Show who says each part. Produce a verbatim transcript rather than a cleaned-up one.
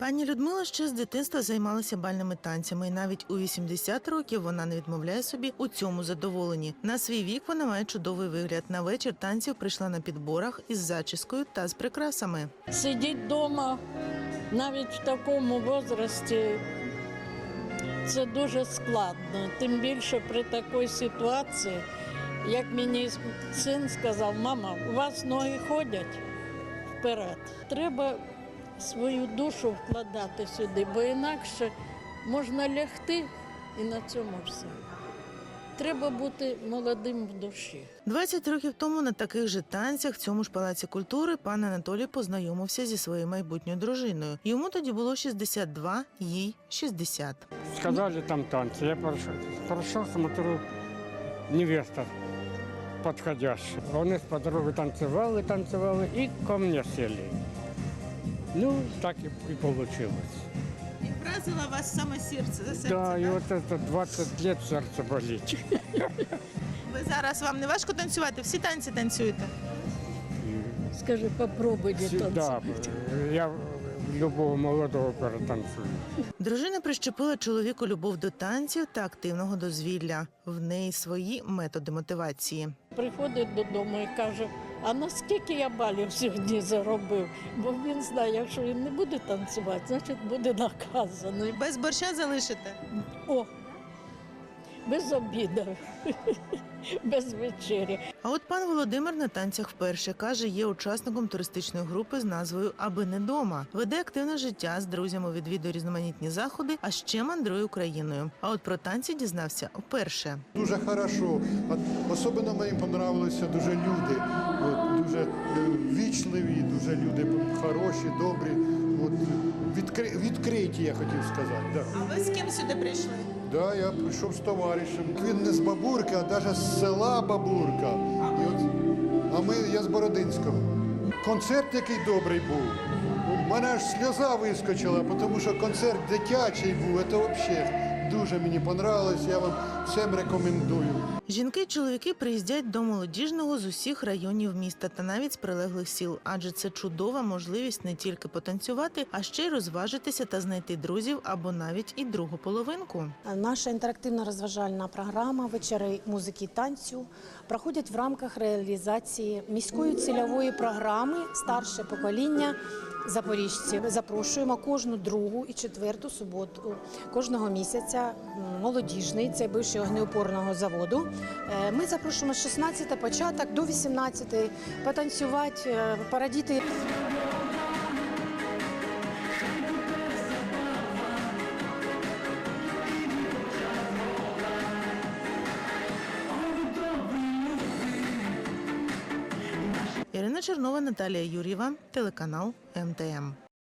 Speaker 1: Пані Людмила ще з дитинства займалася бальними танцями, і навіть у вісімдесят років вона не відмовляє собі у цьому задоволенні. На свій вік вона має чудовий вигляд. На вечір танців прийшла на підборах із зачіскою та з прикрасами.
Speaker 2: Сидіти вдома навіть в такому віці – це дуже складно. Тим більше при такій ситуації, як мені син сказав: мама, у вас ноги ходять вперед. Треба свою душу вкладати сюди, бо інакше можна лягти і на цьому все. Треба бути молодим в душі.
Speaker 1: двадцять років тому на таких же танцях в цьому ж палаці культури пан Анатолій познайомився зі своєю майбутньою дружиною. Йому тоді було шістдесят два, їй шістдесят.
Speaker 3: Сказали там танцы. Я прошел, прошел, смотрю, невеста подходящая. Вони з подругою танцювали, танцювали і ко мне сели. Ну, так і, і получилось.
Speaker 1: І вразила вас саме серце за серце,
Speaker 3: Да, і от це двадцять років серце болить.
Speaker 1: Ви зараз, вам не важко танцювати? Всі танці танцюєте?
Speaker 2: Скажи, попробуйте
Speaker 3: Да,
Speaker 2: танцювати.
Speaker 3: я любого молодого перетанцюю.
Speaker 1: Дружина прищепила чоловіку любов до танців та активного дозвілля. В неї свої методи мотивації.
Speaker 2: Приходить додому і каже: а наскільки я балів сьогодні заробив? Бо він знає, якщо він не буде танцювати, значить буде наказаний.
Speaker 1: Без борща залишите?
Speaker 2: О, без обіду, без вечері.
Speaker 1: А от пан Володимир на танцях вперше. Каже, є учасником туристичної групи з назвою «Аби не дома». Веде активне життя, з друзями відвідує різноманітні заходи, а ще мандрує Україною. А от про танці дізнався вперше.
Speaker 4: Дуже хорошо. От, особливо мені понравилися дуже люди. От, дуже е, вічливі, дуже люди хороші, добрі. От, відкри, відкриті, я хотів сказати. Да.
Speaker 1: А ви з ким сюди прийшли?
Speaker 4: Да, я прийшов з товаришем. Він не з Бабурки, а навіть з села Бабурка. І от, а ми, я з Бородинського. Концерт який добрий був. У мене аж сльоза вискочила, тому що концерт дитячий був. Це взагалі дуже мені понравилось. Я вам всім рекомендую.
Speaker 1: Жінки й чоловіки приїздять до молодіжного з усіх районів міста та навіть з прилеглих сіл, адже це чудова можливість не тільки потанцювати, а ще й розважитися та знайти друзів або навіть і другу половинку.
Speaker 5: Наша інтерактивно-розважальна програма «Вечори музики і танцю» проходять в рамках реалізації міської цільової програми «Старше покоління запоріжців». Запрошуємо кожну другу і четверту суботу кожного місяця молодіжний, це бивший огнеупорного заводу. Ми запрошуємо з шістнадцятого початок до вісімнадцятого потанцювати, порадіти.
Speaker 1: Ірина Чернова, Наталія Юр'єва, телеканал Ем Те Ем.